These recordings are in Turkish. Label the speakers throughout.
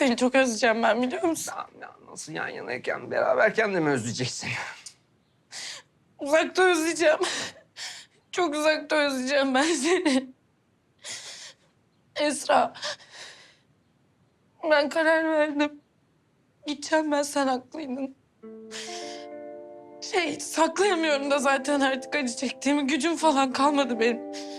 Speaker 1: Seni çok özleyeceğim ben, biliyor musun?
Speaker 2: Ya nasıl yan yanayken, beraberken de mi özleyeceksin?
Speaker 1: Uzakta özleyeceğim. Çok uzakta özleyeceğim ben seni. Esra. Ben karar verdim. Gideceğim ben, sen haklıydın. Saklayamıyorum da zaten artık acı çektiğimi. Gücüm falan kalmadı benim.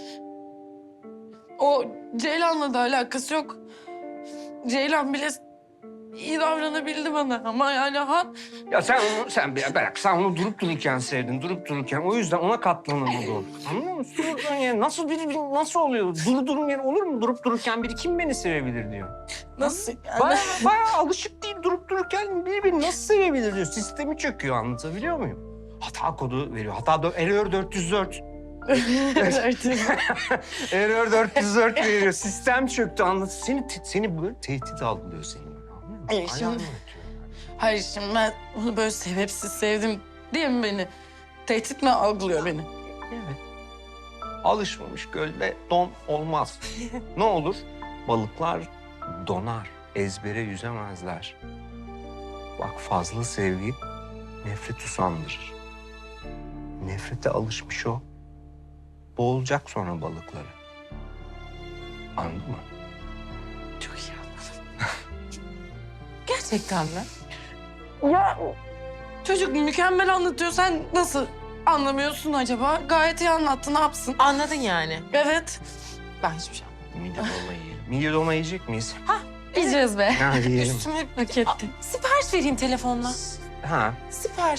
Speaker 1: O Ceylan'la da alakası yok. Ceylan bile iyi davranabildi bana ama yani Han...
Speaker 2: Ya sen bırak. Sen onu durup dururken sevdin, durup dururken. O yüzden ona katlanamadı o. Anlıyor musun? Yani nasıl oluyor? Durduğun yer olur mu? Durup dururken biri kim beni sevebilir diyor.
Speaker 1: Nasıl yani?
Speaker 2: Bayağı alışık değil, durup dururken birbirini nasıl sevebilir diyor. Sistemi çöküyor, anlatabiliyor muyum? Hata kodu veriyor. Error 404. Error 404 veriyor. Sistem çöktü, anlat. Seni böyle tehdit algılıyor seni. Anlıyor musun?
Speaker 1: Hayır, şimdi... Hayır, şimdi ben onu böyle sebepsiz sevdim diye mi beni? Tehdit mi algılıyor beni?
Speaker 2: Evet. Alışmamış gölde don olmaz. Ne olur? Balıklar donar, ezbere yüzemezler. Bak, fazla sevgi nefret usandırır. Nefrete alışmış o. Boğulacak sonra balıkları. Anladın mı?
Speaker 1: Çok iyi anladım.
Speaker 3: Gerçekten mi?
Speaker 1: Ya çocuk mükemmel anlatıyor. Sen nasıl anlamıyorsun acaba? Gayet iyi anlattı. Ne yapsın?
Speaker 3: Anladın yani.
Speaker 1: Evet.
Speaker 3: Ben hiçbir şey anlamadım.
Speaker 2: Midye dolma yiyelim. Midye dolma yiyecek miyiz?
Speaker 1: Yiyeceğiz be.
Speaker 2: Ha, yiyelim.
Speaker 1: Üstüme hak etti.
Speaker 3: Sipariş vereyim telefonla.
Speaker 2: Ha.
Speaker 3: Sipariş.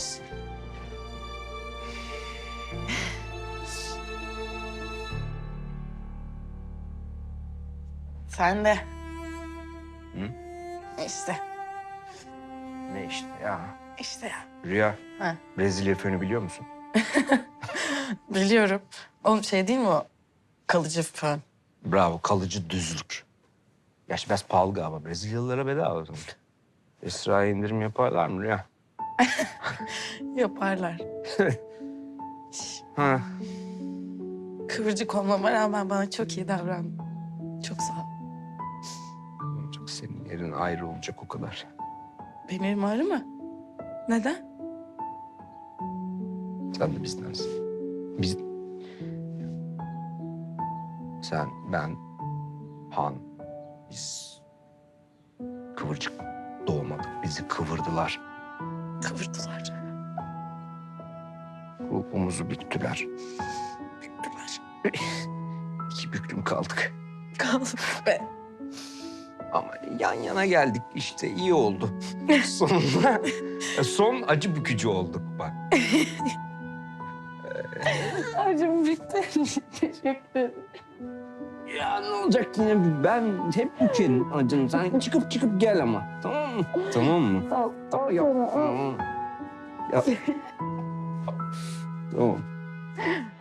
Speaker 1: Sen de.
Speaker 2: Hı?
Speaker 1: İşte.
Speaker 2: Ne işte ya?
Speaker 1: İşte ya.
Speaker 2: Rüya.
Speaker 1: Ha.
Speaker 2: Brezilya fönü biliyor musun?
Speaker 1: Biliyorum. Oğlum değil mi o? Kalıcı fön.
Speaker 2: Bravo, kalıcı düzlük. Gerçi biraz pahalı galiba. Brezilyalılara bedava. Esra'ya indirim yaparlar mı Rüya?
Speaker 1: Yaparlar.
Speaker 2: Ha.
Speaker 1: Kıvırcık olmama rağmen bana çok iyi davrandın. Çok sağ ol.
Speaker 2: Çok, senin yerin ayrı olacak o kadar.
Speaker 1: Benim ağrı mı? Neden?
Speaker 2: Sen de bizdensin. Biz... Sen, ben, Han, biz kıvırcık doğmadık. Bizi kıvırdılar.
Speaker 1: Kıvırdılar.
Speaker 2: Ruhumuzu büktüler.
Speaker 1: Büktüler.
Speaker 2: İki büklüm kaldık.
Speaker 1: Kaldım be.
Speaker 2: Ama yan yana geldik işte, iyi oldu. Sonunda son acı bükücü olduk bak.
Speaker 1: Acım bitti. Teşekkür ederim.
Speaker 2: Ya ne olacak yine, ben hep bükerim acını. Sen çıkıp gel ama, tamam mı? Tamam mı?
Speaker 1: Sağ ol.
Speaker 2: Tamam. Ya. Tamam.